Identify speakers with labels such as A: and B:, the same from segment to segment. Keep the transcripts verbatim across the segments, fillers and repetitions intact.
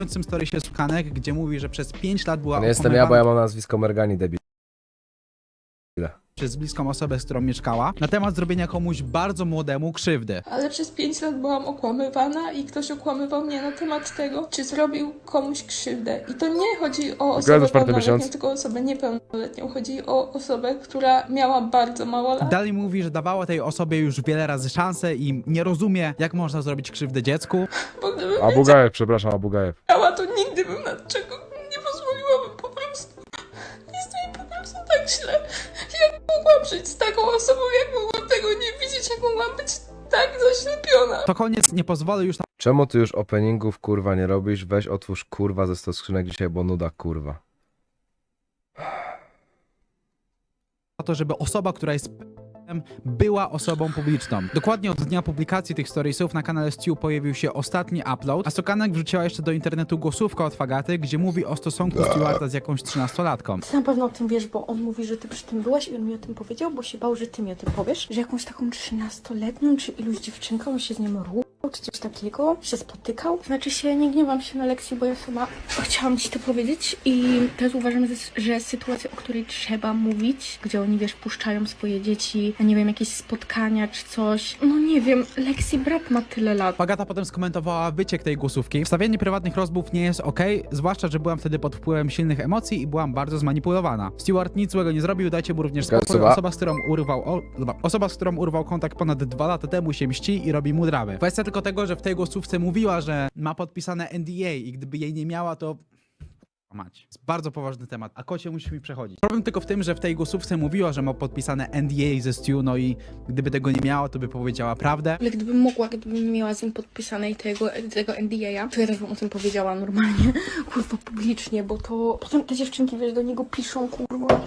A: W story się Sukanek, gdzie mówi, że przez pięć lat była
B: Nie jestem ja, bo ja mam nazwisko Mergani, debil.
A: przez bliską osobę, z którą mieszkała, na temat zrobienia komuś bardzo młodemu krzywdy.
C: Ale przez pięć lat byłam okłamywana i ktoś okłamywał mnie na temat tego, czy zrobił komuś krzywdę. I to nie chodzi o osobę pełnoletnią, tylko o osobę niepełnoletnią. Chodzi o osobę, która miała bardzo mało lat.
A: Dalej mówi, że dawała tej osobie już wiele razy szansę i nie rozumie, jak można zrobić krzywdę dziecku.
C: Bo gdybym
D: Abugajew, przepraszam, Abugajew.
C: wiedziała, to nigdy bym na czego nie pozwoliłabym po prostu. Jest mi po prostu tak źle. Jak mogłam żyć z taką osobą, jak mogłam tego nie widzieć, jak mogłam być tak zaślepiona.
A: To koniec, nie pozwolę już
B: Czemu ty już openingów kurwa nie robisz? Weź otwórz kurwa ze sto skrzynek dzisiaj, bo nuda kurwa.
A: na to, żeby osoba, która jest była osobą publiczną. Dokładnie od dnia publikacji tych storiesów na kanale Stu pojawił się ostatni upload, a Sukanek wrzuciła jeszcze do internetu głosówkę od Fagaty, gdzie mówi o stosunku Stewarta z jakąś trzynastolatką.
E: Ty na pewno o tym wiesz, bo on mówi, że ty przy tym byłaś i on mi o tym powiedział, bo się bał, że ty mi o tym powiesz, że jakąś taką trzynastoletnią czy iluś dziewczynką się z nim ruchał, czy coś takiego, się spotykał. Znaczy się, nie gniewam się na lekcji, bo ja sama chciałam ci to powiedzieć i też uważam, że, że sytuacja, o której trzeba mówić, gdzie oni, wiesz, puszczają swoje dzieci, nie wiem, jakieś spotkania czy coś. No nie wiem, Lexi brat ma tyle lat.
A: Fagata potem skomentowała wyciek tej głosówki. Wstawianie prywatnych rozmów nie jest okej, zwłaszcza, że byłam wtedy pod wpływem silnych emocji i byłam bardzo zmanipulowana. Stewart nic złego nie zrobił, dajcie mu również spokój.
B: Osoba.
A: Osoba, z którą urwał, o, dobra. Osoba, z którą urwał kontakt ponad dwa lata temu się mści i robi mu drawy. Kwestia tylko tego, że w tej głosówce mówiła, że ma podpisane N D A i gdyby jej nie miała, to... Mać. Jest bardzo poważny temat, a kocie musi mi przechodzić. Problem tylko w tym, że w tej głosówce mówiła, że ma podpisane N D A ze Stu, no i gdyby tego nie miała, to by powiedziała prawdę.
E: Ale gdybym mogła, gdybym miała z nim podpisanej tego, tego N D A, to ja też bym o tym powiedziała normalnie, kurwa, publicznie, bo to potem te dziewczynki, wiesz, do niego piszą, kurwa,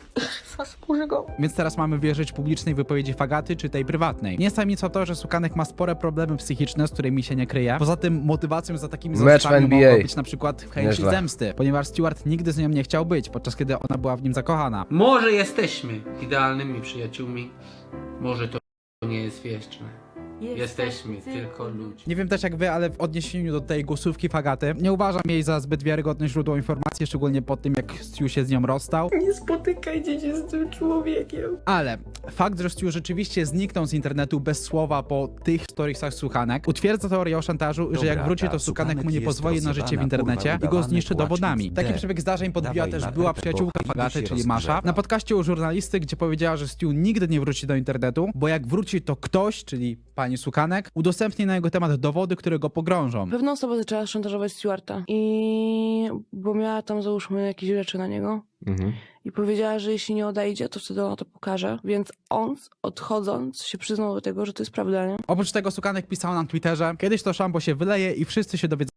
E: zasłuży go.
A: Więc teraz mamy wierzyć publicznej wypowiedzi Fagaty, czy tej prywatnej. Nie jest tajemnicą to, że Sukanek ma spore problemy psychiczne, z którymi się nie kryje. Poza tym motywacją za takimi
B: Mecz w
A: zarzutami
B: N B A.
A: mogła być na przykład chęć
B: Nieźle.
A: zemsty, ponieważ Stewart nigdy z nią nie chciał być, podczas kiedy ona była w nim zakochana.
F: Może jesteśmy idealnymi przyjaciółmi, może to nie jest wieczne. Jesteśmy tylko ludźmi.
A: Nie wiem też jak wy, ale w odniesieniu do tej głosówki Fagaty, nie uważam jej za zbyt wiarygodne źródło informacji, szczególnie po tym, jak Stu się z nią rozstał.
E: Nie spotykajcie się z tym człowiekiem.
A: Ale fakt, że Stu rzeczywiście zniknął z internetu bez słowa po tych storiesach Sukanek, utwierdza teorię o szantażu, że jak wróci, to Sukanek mu nie pozwoli na życie w internecie i go zniszczy dowodami. Taki przebieg zdarzeń podbiła też była przyjaciółka Fagaty, czyli Masza, na podcaście u żurnalisty, gdzie powiedziała, że Stu nigdy nie wróci do internetu, bo jak wróci, to ktoś, czyli pani Sukanek, udostępni na jego temat dowody, które go pogrążą.
G: Pewna osoba zaczęła szantażować Stewarta i bo miała tam załóżmy jakieś rzeczy na niego
B: Mhm.
G: i powiedziała, że jeśli nie odejdzie, to wtedy ona to pokaże, więc on odchodząc się przyznał do tego, że to jest prawda, nie?
A: Oprócz tego Sukanek pisał na Twitterze, kiedyś to szambo się wyleje i wszyscy się dowiedzą,